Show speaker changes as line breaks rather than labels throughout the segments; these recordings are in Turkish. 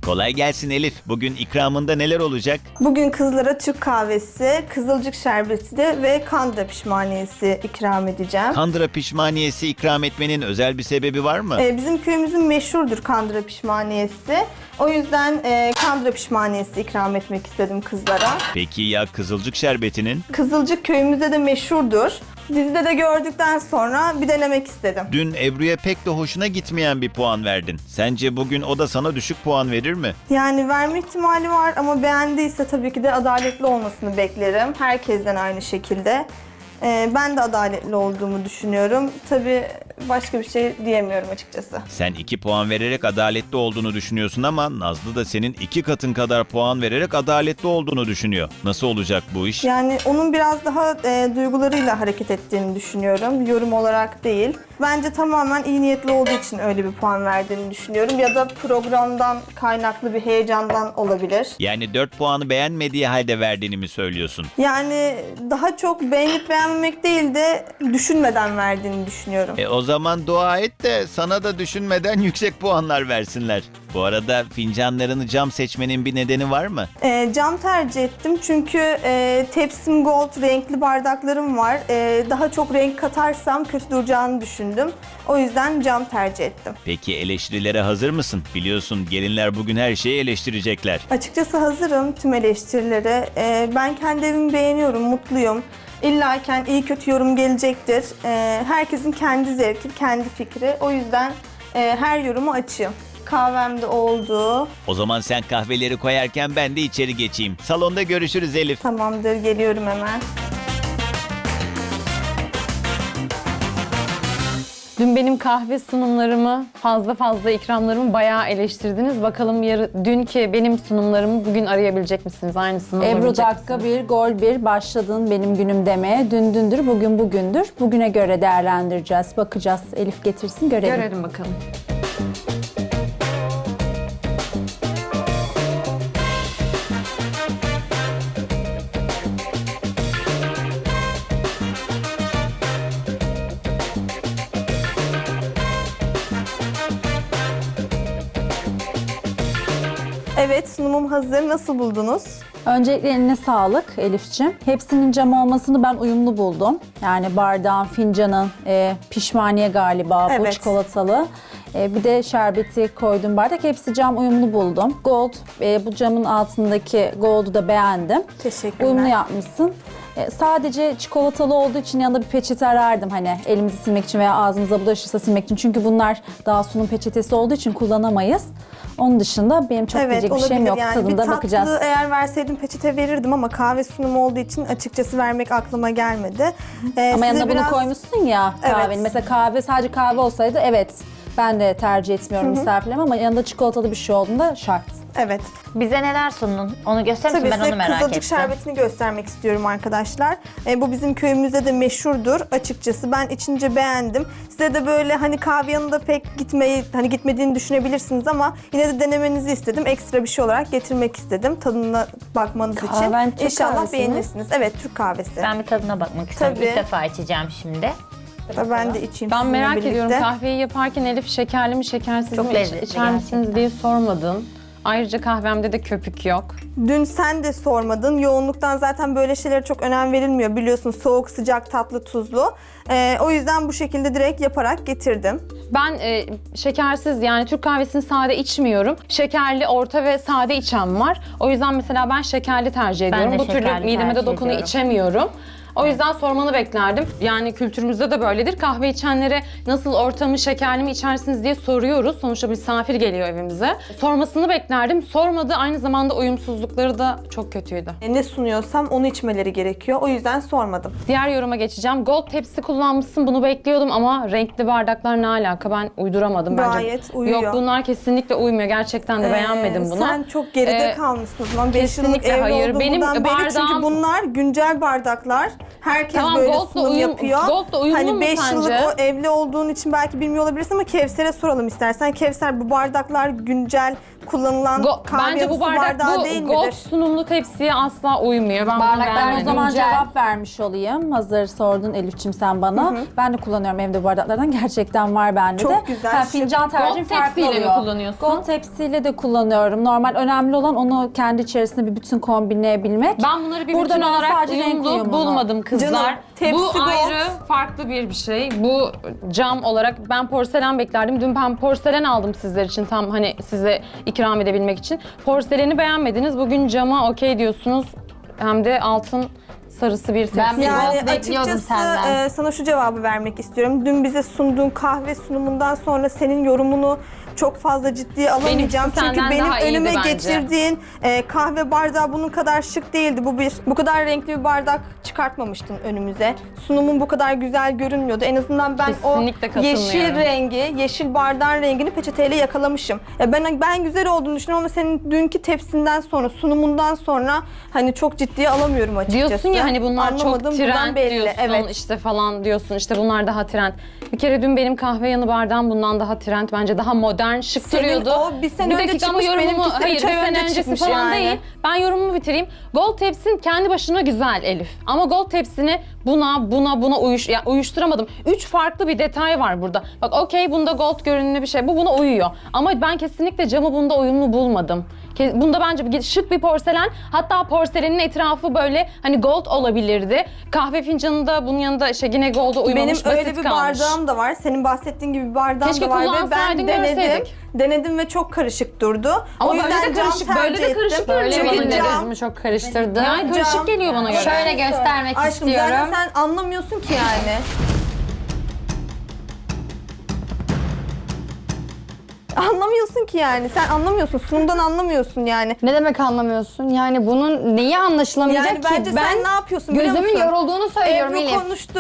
Kolay gelsin Elif. Bugün ikramında neler olacak?
Bugün kızlara Türk kahvesi, kızılcık şerbeti ve kandıra pişmaniyesi ikram edeceğim.
Kandıra pişmaniyesi ikram etmenin özel bir sebebi var mı?
Bizim köyümüzün meşhurdur kandıra pişmaniyesi. O yüzden kandıra pişmaniyesi ikram etmek istedim kızlara.
Peki ya kızılcık şerbetinin?
Kızılcık köyümüzde de meşhurdur. Dizide de gördükten sonra bir denemek istedim.
Dün Ebru'ya pek de hoşuna gitmeyen bir puan verdin. Sence bugün o da sana düşük puan verir mi?
Yani verme ihtimali var ama beğendiyse tabii ki de adaletli olmasını beklerim. Herkesten aynı şekilde. Ben de adaletli olduğumu düşünüyorum. Tabii başka bir şey diyemiyorum açıkçası.
Sen 2 puan vererek adaletli olduğunu düşünüyorsun ama Nazlı da senin 2 katın kadar puan vererek adaletli olduğunu düşünüyor. Nasıl olacak bu iş?
Yani onun biraz daha duygularıyla hareket ettiğini düşünüyorum. Yorum olarak değil. Bence tamamen iyi niyetli olduğu için öyle bir puan verdiğini düşünüyorum. Ya da programdan kaynaklı bir heyecandan olabilir.
Yani 4 puanı beğenmediği halde verdiğini mi söylüyorsun?
Yani daha çok beğenip beğenmemek değil de düşünmeden verdiğini düşünüyorum.
O zaman dua et de sana da düşünmeden yüksek puanlar versinler. Bu arada fincanlarını cam seçmenin bir nedeni var mı?
Cam tercih ettim çünkü tepsim gold, renkli bardaklarım var. Daha çok renk katarsam kötü duracağını düşündüm. O yüzden cam tercih ettim.
Peki eleştirilere hazır mısın? Biliyorsun gelinler bugün her şeyi eleştirecekler.
Açıkçası hazırım tüm eleştirilere. Ben kendi evimi beğeniyorum, mutluyum. İllaken iyi kötü yorum gelecektir. Herkesin kendi zevki, kendi fikri. O yüzden her yorumu açığım. Kahvem de oldu.
O zaman sen kahveleri koyarken ben de içeri geçeyim. Salonda görüşürüz Elif.
Tamamdır, geliyorum hemen.
Dün benim kahve sunumlarımı, fazla ikramlarımı bayağı eleştirdiniz. Bakalım dünkü benim sunumlarımı bugün arayabilecek misiniz? Aynısını
Ebru
bulabilecek
dakika
misiniz?
1, gol 1 başladın benim günüm demeye. Dün dündür, bugün bugündür. Bugüne göre değerlendireceğiz, bakacağız. Elif getirsin görelim.
Görelim bakalım.
Evet, sunumum hazır. Nasıl buldunuz?
Öncelikle eline sağlık Elif'ciğim. Hepsinin cam olmasını ben uyumlu buldum. Yani bardağın, fincanın, pişmaniye galiba bu
Evet.
çikolatalı. Bir de şerbeti koydum bardak. Hepsi cam uyumlu buldum. Gold, bu camın altındaki gold'u da beğendim.
Teşekkürler.
Uyumlu yapmışsın. Sadece çikolatalı olduğu için yanında bir peçete arardım hani elimizi silmek için veya ağzımıza bulaşırsa silmek için. Çünkü bunlar daha sunum peçetesi olduğu için kullanamayız. Onun dışında benim çok diyecek bir şeyim yok.
Yani.
Tadında
Bir
bakacağız.
tatlı eğer verseydim peçete verirdim ama kahve sunumu olduğu için açıkçası vermek aklıma gelmedi.
Ama
Size
yanına bunu
biraz-
koymuşsun ya kahvenin.
Evet.
Mesela kahve sadece kahve olsaydı evet ben de tercih etmiyorum misafirlerime ama yanında çikolatalı bir şey olduğunda şart.
Evet.
Bize neler sundun? Onu gösterir misin?
Tabii
Ben
size
onu merak
kızılcık
ettim.
şerbetini göstermek istiyorum arkadaşlar. Bu bizim köyümüzde de meşhurdur açıkçası. Ben içince beğendim. Size de böyle hani kahve yanında pek gitmediğini düşünebilirsiniz ama yine de denemenizi istedim. Ekstra bir şey olarak getirmek istedim. Tadına bakmanız
Kahven
için.
Türk
İnşallah
kahvesi mi?
beğenirsiniz. Evet, Türk kahvesi.
Ben bir tadına bakmak istiyorum.
Tabii.
İlk defa içeceğim şimdi.
Tabii ben de içeyim
Ben
sizinle
merak
birlikte.
ediyorum kahveyi yaparken Elif şekerli mi şekersiz
Çok
mi
lezzetli
içer misiniz
gerçekten.
diye sormadın. Ayrıca kahvemde de köpük yok.
Dün sen de sormadın. Yoğunluktan zaten böyle şeylere çok önem verilmiyor. Biliyorsun soğuk, sıcak, tatlı, tuzlu. O yüzden bu şekilde direkt yaparak getirdim.
Ben şekersiz yani Türk kahvesini sade içmiyorum. Şekerli, orta ve sade içen var. O yüzden mesela ben şekerli tercih ediyorum.
de
Bu türlü
şekerli
mideme de
tercih
dokunu
ediyorum.
içemiyorum. O yüzden sormanı beklerdim. Yani kültürümüzde de böyledir. Kahve içenlere nasıl ortamı şekerli mi içersiniz diye soruyoruz. Sonuçta misafir geliyor evimize. Sormasını beklerdim. Sormadı. Aynı zamanda uyumsuzlukları da çok kötüydü.
Ne sunuyorsam onu içmeleri gerekiyor. O yüzden sormadım.
Diğer yoruma geçeceğim. Gold tepsi kullanmışsın. Bunu bekliyordum ama renkli bardaklar ne alaka? Ben uyduramadım bence.
Gayet uyuyor.
Yok bunlar kesinlikle uymuyor. Gerçekten de beğenmedim bunu.
Sen çok geride
Ee,
kalmışsın o zaman. 5 yıllık
kesinlikle
evli
hayır.
olduğu
Benim
bundan beri çünkü
bardağım-
bunlar güncel bardaklar. Herkes
Tamam,
böyle
Gold'la
sunum
uyum-
yapıyor.
Gold'la uyumlu
hani
mu
5
sence?
yıllık o evli olduğun için belki bilmiyor olabilirsin ama Kevser'e soralım istersen. Kevser, bu bardaklar güncel kullanılan kahve
Bence bu
su
bardak
bardağı
bu
değil
gold
midir?
sunumlu tepsiye asla uymuyor. Ben bunu
Bardaklar
beğenmedim.
O zaman
Güncel.
cevap vermiş olayım. Hazır sordun Elif'ciğim sen bana. Ben de kullanıyorum evde bu bardaklardan. Gerçekten var bende
Çok
de.
güzel.
Fincan tercihim
Gold
farklı
tepsiyle mi
oluyor.
kullanıyorsun?
Gold tepsiyle de kullanıyorum. Normal önemli olan onu kendi içerisinde bir bütün kombinleyebilmek.
Ben bunları bir
Burada
bütün
ben
olarak
sadece renk
uyumlu
uyumunu.
bulmadım kızlar.
Canım, tepsi
Bu
gold.
ayrı farklı bir şey. Bu cam olarak ben porselen beklerdim. Dün ben porselen aldım sizler için, tam hani size ikram edebilmek için. Porseleni beğenmediniz. Bugün cama okey diyorsunuz. Hem de altın sarısı bir tepsi.
Ben bir
Yani
gold bekliyordum
açıkçası
senden.
sana şu cevabı vermek istiyorum. Dün bize sunduğun kahve sunumundan sonra senin yorumunu çok fazla ciddiye alamayacağım.
Benimkisi
Çünkü
senden
benim
daha iyiydi
önüme
bence.
getirdiğin kahve bardağı bunun kadar şık değildi. Bu kadar renkli bir bardak çıkartmamıştın önümüze. Sunumun bu kadar güzel görünmüyordu. En azından ben
Kesinlikle
o yeşil
katılmıyorum.
rengi, yeşil bardağın rengini peçeteyle yakalamışım. Ben güzel olduğunu düşünüyorum ama senin dünkü tepsinden sonra, sunumundan sonra hani çok ciddiye alamıyorum açıkçası.
Diyorsun ya hani bunlar
Anlamadım,
çok
buradan
trend
belli.
diyorsun
Evet.
işte falan diyorsun, işte bunlar daha trend. Bir kere dün benim kahve yanı bardağım bundan daha trend, bence daha modern, şık
Senin
duruyordu.
o bir sene önce
dakika ama
çıkmış, benimkisi
hayır,
üç
bir
ay
sene
önce
öncesi
çıkmış
falan
yani.
değil. Ben yorumumu bitireyim. Gold tepsin kendi başına güzel Elif. Ama gold tepsini buna uyuşturamadım. 3 farklı bir detay var burada. Bak okey, bunda gold görünümlü bir şey. Bu buna uyuyor. Ama ben kesinlikle camı bunda uyumlu bulmadım. Bunda bence şık bir porselen. Hatta porselenin etrafı böyle hani gold olabilirdi. Kahve fincanında bunun yanında yine gold'a uymamış,
Benim
basit
öyle bir
kalmış.
bardağım da var. Senin bahsettiğin gibi bir bardağım
Keşke
da var ve ben
kullansaydın,
denedim.
görseydik.
Denedim ve çok karışık durdu.
Ama
o
böyle
yüzden
de
cam
karışık, böyle de
tercih
karışık
ettim.
görünüyor
Böyle
bana
benim de
göre.
gözümü çok karıştırdı.
Yani karışık
Cam.
geliyor bana göre.
Şöyle göstermek
Aşkım
istiyorum.
zaten sen anlamıyorsun ki yani. Anlamıyorsun ki yani. Sen anlamıyorsun. Sunumdan anlamıyorsun yani.
Ne demek anlamıyorsun? Yani bunun neyi anlaşılamayacak
Yani
ki?
bence sen ne yapıyorsun biliyor
gözümün
musun?
yorulduğunu söylüyorum
Ebru
Elif.
konuştu.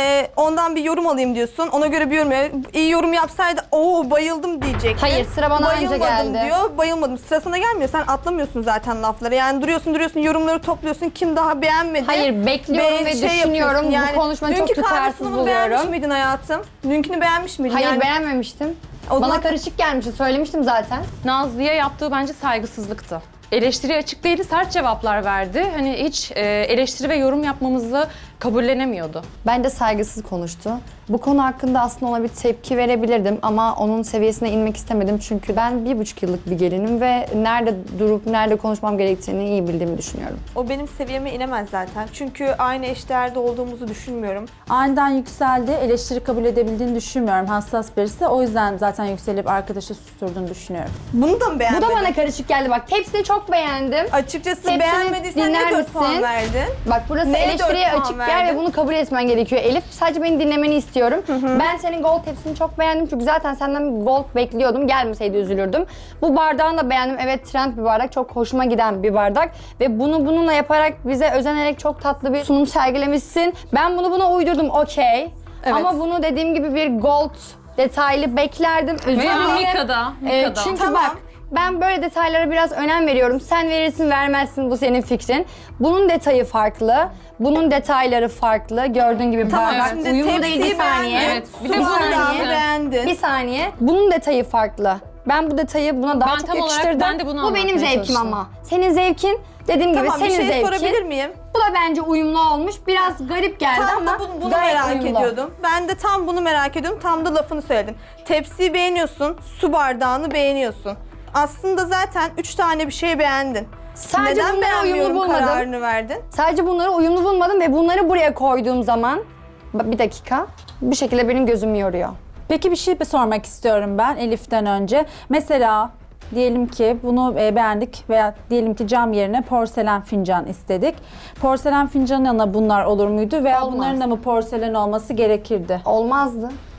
Ondan bir yorum alayım diyorsun. Ona göre bir yorum. İyi yorum yapsaydı bayıldım diyecektin.
Hayır, sıra bana anca
Bayılmadım
geldi.
diyor. Bayılmadım. Sırasına gelmiyor. Sen atlamıyorsun zaten lafları. Yani duruyorsun yorumları topluyorsun. Kim daha beğenmedi?
Hayır, bekliyorum ve düşünüyorum. Bu konuşmayı çok
dünkü kahve
tutarsız
sunumunu beğenmiş
buluyorum.
miydin hayatım? Dünkünü beğenmiş miydin?
Hayır,
yani,
beğenmemiştim.
O
Bana
zaman-
karışık gelmişti, söylemiştim zaten.
Nazlı'ya yaptığı bence saygısızlıktı. Eleştiriye açık değildi, sert cevaplar verdi. Hani hiç eleştiri ve yorum yapmamızı kabullenemiyordu.
Bence saygısız konuştu. Bu konu hakkında aslında ona bir tepki verebilirdim ama onun seviyesine inmek istemedim. Çünkü ben 1,5 yıllık bir gelinim ve nerede durup nerede konuşmam gerektiğini iyi bildiğimi düşünüyorum.
O benim seviyeme inemez zaten. Çünkü aynı eşdeğerde olduğumuzu düşünmüyorum.
Aniden yükseldi. Eleştiri kabul edebildiğini düşünmüyorum. Hassas birisi. O yüzden zaten yükselip arkadaşı susturduğunu düşünüyorum.
Bunu da mı
Bu
beğenmedin?
da bana karışık geldi bak. Tepsini çok beğendim.
Açıkçası
Hepsini
beğenmediysen
dinler
ne 4 puan
misin?
verdin?
Bak burası
Neye
eleştiriye
4 puan
açık bir yer
verdin?
ve bunu kabul etmen gerekiyor Elif. Sadece beni dinlemeni istiyorum. Ben senin gold tepsini çok beğendim çünkü zaten senden bir gold bekliyordum. Gelmeseydi üzülürdüm. Bu bardağını da beğendim. Evet, trend bir bardak. Çok hoşuma giden bir bardak. Ve bunu bununla yaparak bize özenerek çok tatlı bir sunum sergilemişsin. Ben bunu buna uydurdum, okey.
Evet.
Ama bunu dediğim gibi bir gold detaylı beklerdim. Özür
Veya
dilerim.
Mika'da.
Çünkü
Tamam.
bak, ben böyle detaylara biraz önem veriyorum. Sen verirsin vermezsin, bu senin fikrin. Bunun detayı farklı. Bunun detayları farklı. Gördüğün gibi
Tamam,
bardak
şimdi
uyumlu değil, bir
tepsiyi
saniye.
beğendin.
Evet, bir
Su
de bu
bardağını
saniye.
beğendin.
Bir saniye. Bunun detayı farklı. Ben bu detayı buna daha
Ben
çok
tam olarak
yakıştırdım.
ben de bunu
Bu benim
anlatmaya
zevkim
çalıştım.
ama. Senin zevkin, dediğim gibi
Tamam, bir
senin
şey
zevkin.
sorabilir miyim?
Bu da bence uyumlu olmuş. Biraz garip geldi
Tam
ama
da bunu
gayet
merak
uyumlu.
ediyordum. Ben de tam bunu merak ediyordum. Tam da lafını söyledin. Tepsiyi beğeniyorsun, su bardağını beğeniyorsun. Aslında zaten 3 tane bir şey beğendin.
Sadece
Neden
bunları uyumlu
beğenmiyorum
bulmadım.
kararını verdin?
Sadece bunları uyumlu bulmadım ve bunları buraya koyduğum zaman bir dakika, bir şekilde benim gözümü yoruyor.
Peki bir şey sormak istiyorum ben Elif'ten önce. Mesela diyelim ki bunu beğendik veya diyelim ki cam yerine porselen fincan istedik. Porselen fincanın yanına bunlar olur muydu veya
Olmaz.
bunların da mı porselen olması gerekirdi?
Olmazdı.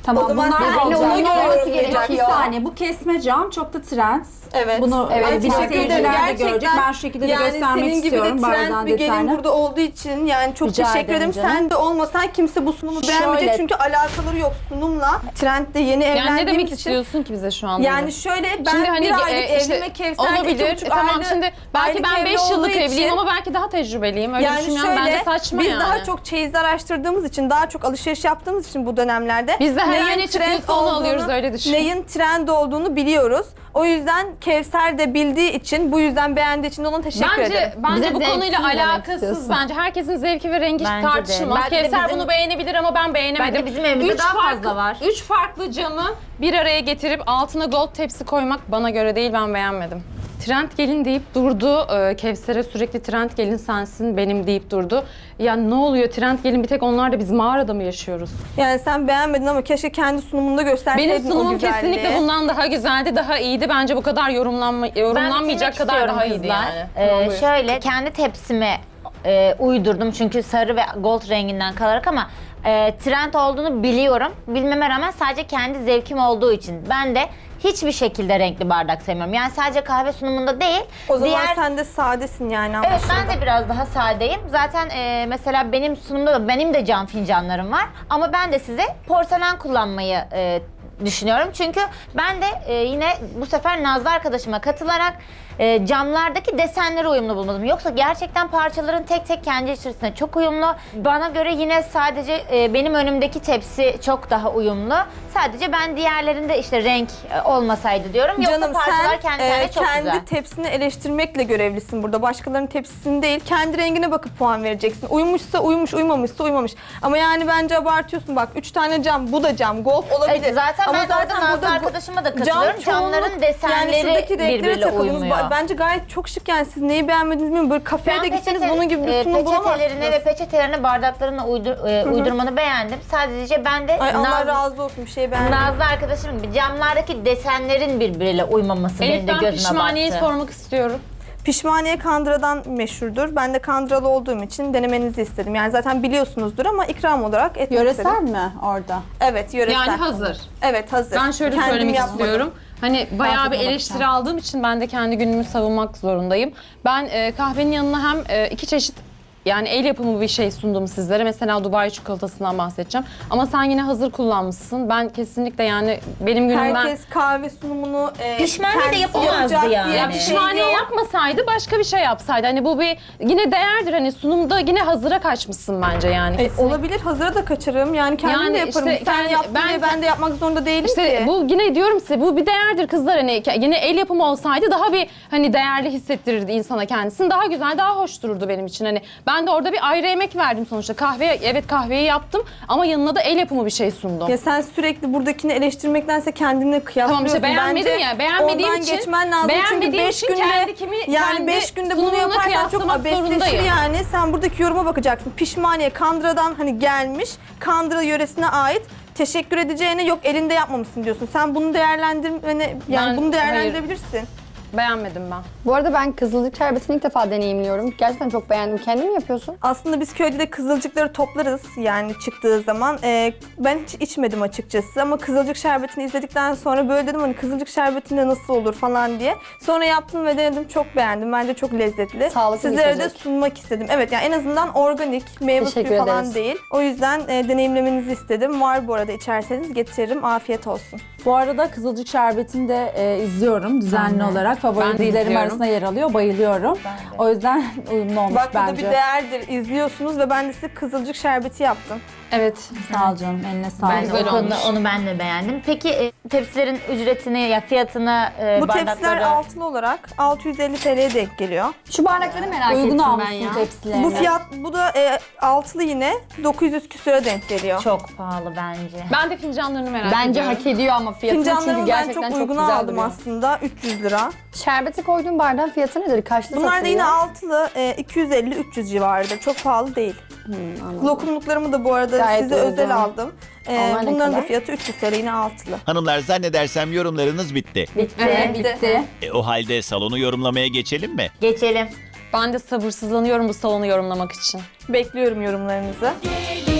Tamam
O zaman
bunlar
sen
alacağım.
ona göre
Bak,
yorumlayacaksın.
bir saniye bu kesme cam çok da trend.
Evet.
Bunu
Evet,
bilen
teşekkür ederim.
seyirciler de görecek.
Gerçekten
Ben şu şekilde de
yani
göstermek
senin gibi
istiyorum.
de trend
Bardağın
bir gelin
detayını.
burada olduğu için yani çok
Rica
teşekkür
ederim
ederim.
canım.
Sen de olmasan kimse bu sunumu beğenmeyecek
Şöyle-
çünkü alakaları yok sunumla. Trendde yeni
Yani ne
evlendiğimiz
demek
için.
istiyorsun ki bize şu anda?
Yani şöyle ben
Şimdi hani
bir aylık
işte
evlime Kevser
olabilir.
2,5
Tamam
aylık-
şimdi belki
aylık
ben
evli
5 yıllık
olduğu
evliyim
için-
ama belki daha tecrübeliyim. Öyle
Yani
düşünüyorum. Bence
şöyle
saçma
biz
yani.
daha çok çeyiz araştırdığımız için, daha çok alışveriş yaptığımız için bu dönemlerde
Biz de her
neyin
ay ne
trend
çıkıyorsa onu
olduğunu,
alıyoruz, öyle düşün.
Neyin trend olduğunu biliyoruz. O yüzden Kevser de bildiği için, bu yüzden beğendiği için de ona teşekkür ederim.
Bence
Bize
bu konuyla
zevksiz demek
alakasız.
istiyorsun.
Bence herkesin zevki ve rengi
Bence de.
tartışılmaz.
Belki de
Kevser
bizim-
bunu beğenebilir ama ben beğenemedim.
Bence bizim evimizde daha fazla var.
3 farklı camı bir araya getirip altına gold tepsi koymak bana göre değil, ben beğenmedim. Trend gelin deyip durdu. Kevser'e sürekli trend gelin sensin benim deyip durdu. Ya ne oluyor trend gelin, bir tek onlar da biz mağarada mı yaşıyoruz?
Yani sen beğenmedin ama keşke kendi sunumunda gösterseydin
Benim
o
sunumum
güzelliği.
kesinlikle bundan daha güzeldi, daha iyiydi. Bence bu kadar yorumlanmayacak
bitirmek
kadar
istiyorum
daha iyiydi
kızlar.
yani. Tamam, buyur.
Şöyle kendi tepsime uydurdum çünkü sarı ve gold renginden kalarak ama trend olduğunu biliyorum. Bilmeme rağmen sadece kendi zevkim olduğu için ben de hiçbir şekilde renkli bardak sevmiyorum. Yani sadece kahve sunumunda değil.
O zaman
diğer...
sen de sadesin yani
Evet
anlaşıldı.
ben de biraz daha sadeyim. Zaten mesela benim sunumda da benim de cam fincanlarım var. Ama ben de size porselen kullanmayı düşünüyorum. Çünkü ben de yine bu sefer Nazlı arkadaşıma katılarak camlardaki desenleri uyumlu bulmadım. Yoksa gerçekten parçaların tek tek kendi içerisinde çok uyumlu. Bana göre yine sadece benim önümdeki tepsi çok daha uyumlu. Sadece ben diğerlerinde işte renk olmasaydı diyorum. Yoksa
Canım
parçalar
sen
kendi kendine çok
kendi
güzel.
tepsini eleştirmekle görevlisin burada. Başkalarının tepsisini değil, kendi rengine bakıp puan vereceksin. Uymuşsa uymuş, uymamışsa uymamış. Ama yani bence abartıyorsun. Bak 3 tane cam, bu da cam, gold olabilir.
Evet, zaten
Ama
ben orada Nazlı
burada
arkadaşıma da katılıyorum.
çoğunluk-
Camların desenleri
yani şuradaki renklere
birbiriyle
takıldınız.
uymuyor.
Bence gayet çok şık yani. Siz neyi beğenmediniz bilmiyorum. Böyle kafeye de gitseniz bunun gibi bir sunum bulamazsınız.
Peçetelerine ve peçetelerine bardaklarına uydurmanı beğendim. Sadece ben de
Ay Allah
Nazlı,
razı olsun, bir şey beğendim.
Nazlı arkadaşım gibi camlardaki desenlerin birbiriyle uymaması
Elif,
benim de
ben
gözüme
pişmaniyeyi
battı.
sormak istiyorum.
Pişmaniye Kandıra'dan meşhurdur. Ben de Kandıralı olduğum için denemenizi istedim. Yani zaten biliyorsunuzdur ama ikram olarak etmek
Yöresel
istedim.
mi orada?
Evet, yöresel.
Yani hazır.
Evet, hazır.
Ben şöyle
Kendim
söylemek
yapmadım.
istiyorum. Hani bayağı bir
tadına
eleştiri
bakacağım.
aldığım için ben de kendi günümü savunmak zorundayım. Ben kahvenin yanına hem iki çeşit yani el yapımı bir şey sundum sizlere. Mesela Dubai çikolatasından bahsedeceğim. Ama sen yine hazır kullanmışsın. Ben kesinlikle yani benim günümden...
Herkes kahve sunumunu
Pişmaniye de
kendisi
yapamazdı
yapacak
yani.
diye
Ya
bir şey
pişmaniye
yok.
yapmasaydı başka bir şey yapsaydı. Hani bu bir yine değerdir. Hani sunumda yine hazıra kaçmışsın bence yani. Kesinlikle.
Olabilir, hazıra da kaçırırım. Yani kendim
Yani
de yaparım.
işte
Sen
kendi-
yaptın diye ben de yapmak zorunda değilim
İşte
ki.
bu yine diyorum size bu bir değerdir kızlar, hani yine el yapımı olsaydı daha bir hani değerli hissettirirdi insana kendisini, daha güzel, daha hoş dururdu benim için. Hani ben de orada bir ayrı emek verdim sonuçta, evet kahveyi yaptım ama yanına da el yapımı bir şey sundum.
Ya sen sürekli buradakini eleştirmektense kendini kıyaslıyorsun.
Tamam işte beğenmedim
Bence
ya, beğenmediğim
ondan
için
geçmen lazım çünkü
beğenmediğim
5
için
günde yani
kendi
5 günde bunu
sunumuna
yaparsan çok
kıyaslamak
abesleşir
zorundayım.
yani. Sen buradaki yoruma bakacaksın. Pişmaniye Kandıra'dan hani gelmiş, Kandıra yöresine ait. Teşekkür edeceğine yok elinde yapmamışsın diyorsun. Sen bunu değerlendirmeni yani
Ben-
bunu değerlendirebilirsin.
Beğenmedim ben.
Bu arada ben kızılcık şerbetini ilk defa deneyimliyorum. Gerçekten çok beğendim. Kendin mi yapıyorsun?
Aslında biz köyde de kızılcıkları toplarız yani çıktığı zaman. Ben hiç içmedim açıkçası ama kızılcık şerbetini izledikten sonra böyle dedim hani kızılcık şerbetinde nasıl olur falan diye. Sonra yaptım ve denedim, çok beğendim. Bence çok lezzetli.
Sağlıklı bir
Sizlere de
içecek.
sunmak istedim. Evet yani en azından organik, meyve suyu
Teşekkür
falan
ederiz.
değil. O yüzden deneyimlemenizi istedim. Var bu arada, içerseniz getiririm. Afiyet olsun.
Bu arada Kızılcık Şerbeti'ni de izliyorum düzenli olarak. Favori
Ben de
dizilerim
izliyorum.
arasında yer alıyor. Bayılıyorum. O yüzden uyumlu olmuş
Bak bu da
bence.
bir değerdir. İzliyorsunuz ve ben de size kızılcık şerbeti yaptım.
Evet.
Sağ ol canım. Eline sağlık.
Ben de
Güzel
o konuda
olmuş.
onu ben de beğendim. Peki tepsilerin ücretini ya fiyatını
Bu tepsiler
bardakları...
altılı olarak 650 TL'ye denk geliyor.
Şu bardakları merak
Uygun
ettim ben
almışsın
ya.
tepsilerini.
Bu fiyat, bu da altılı yine 900 küsüre denk geliyor.
Çok pahalı bence.
Ben de fincanlarını merak
Bence
ediyorum.
hak ediyor ama fiyatını çünkü
Fincanlarımı ben
gerçekten
çok
çok
uygun
güzel
aldım
duruyor.
aslında. 300 lira.
Şerbeti koyduğun bardağın fiyatı nedir? Kaçta
Bunlar da
satılıyor?
yine altılı 250-300 civarıdır. Çok pahalı değil. Lokumluklarımı da bu arada
Gayet
size
uygun.
özel aldım.
Onlar ne
Bunların da
kadar?
fiyatı 300 TL, yine altılı.
Hanımlar zannedersem yorumlarınız bitti.
Bitti.
Evet.
Bitti.
O halde salonu yorumlamaya geçelim mi?
Geçelim.
Ben de sabırsızlanıyorum bu salonu yorumlamak için.
Bekliyorum yorumlarınızı.